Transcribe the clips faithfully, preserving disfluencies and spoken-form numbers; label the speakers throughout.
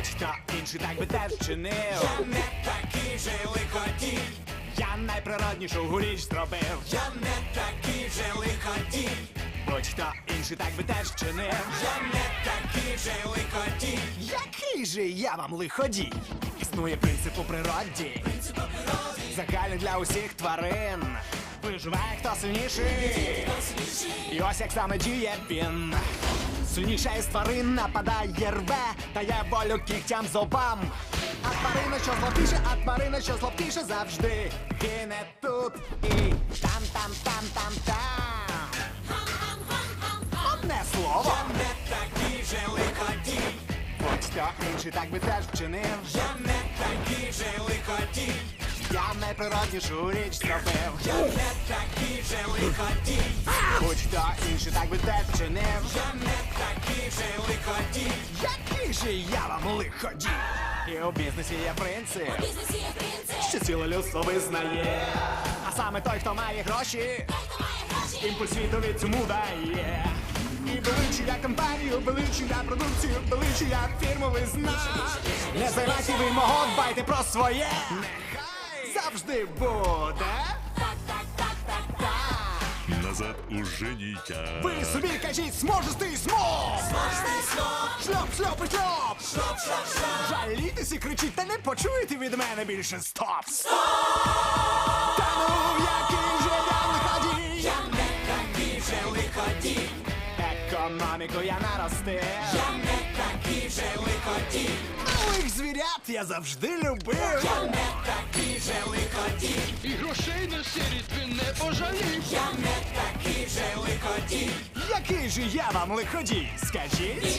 Speaker 1: Будь-хто інший так би теж вчинив.
Speaker 2: Я не такий же лиходій.
Speaker 1: Я найприроднішу річ зробив.
Speaker 2: Я не такий же лиходій.
Speaker 1: Будь-хто інший так би теж вчинив.
Speaker 2: Я не такий же лиходій.
Speaker 1: Який же я вам лиходій? Існує принцип у природі, загальний для усіх тварин. Виживає хто сильніший. І ось як саме діє він. Сильніша із тварин нападає, рве, дає волю кігтям зубам. А тварина, що зловтіше, а тварина, що зловтіше, завжди гине тут і там, там, там, там, там. Одне слово.
Speaker 2: Я не такий же лиходій.
Speaker 1: Будь-хто інший так би теж вчинив.
Speaker 2: Я не такий же лиходій.
Speaker 1: Я найприроднішу річ зробив.
Speaker 2: Я не такий же лиходій.
Speaker 1: Будь-хто інший так би теж вчинив.
Speaker 2: Я не такий же лиходій.
Speaker 1: Який же я вам лиходій? І у бізнесі є принцип,
Speaker 3: Бізнесі є принцип,
Speaker 1: що ціле людство визнає. А саме той, хто має гроші,
Speaker 3: той, хто має гроші,
Speaker 1: імпульс світові цьому дає. І величує компанію, величує продукцію, величує фірмовий знак. Не займайте ви мого, дбайте про своє. Нехай завжди буде.
Speaker 4: Назад уже нельзя.
Speaker 1: Ви собі кажіть, зможеш ти смог! Шльоп, шльоп і шльоп!
Speaker 2: Шлоп, шлоп, шлоп.
Speaker 1: Жалітесь і кричіть, та не почуєте від мене більше стоп! Стоп! Та ну, який же я лиходій!
Speaker 2: Я не такий же лиходій.
Speaker 1: Економіку я наростив!
Speaker 2: Я не такий же лиходій.
Speaker 1: Малих звірят я завжди любив!
Speaker 2: Я не такий же лиходій.
Speaker 5: І грошей на сірість він не пожалів.
Speaker 2: Я не такий же лиходій.
Speaker 1: Який же я вам лиходій, скажіть?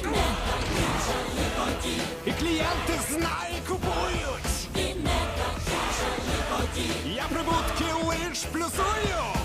Speaker 1: І клієнти знають, купують! Я прибутки лиш плюсую!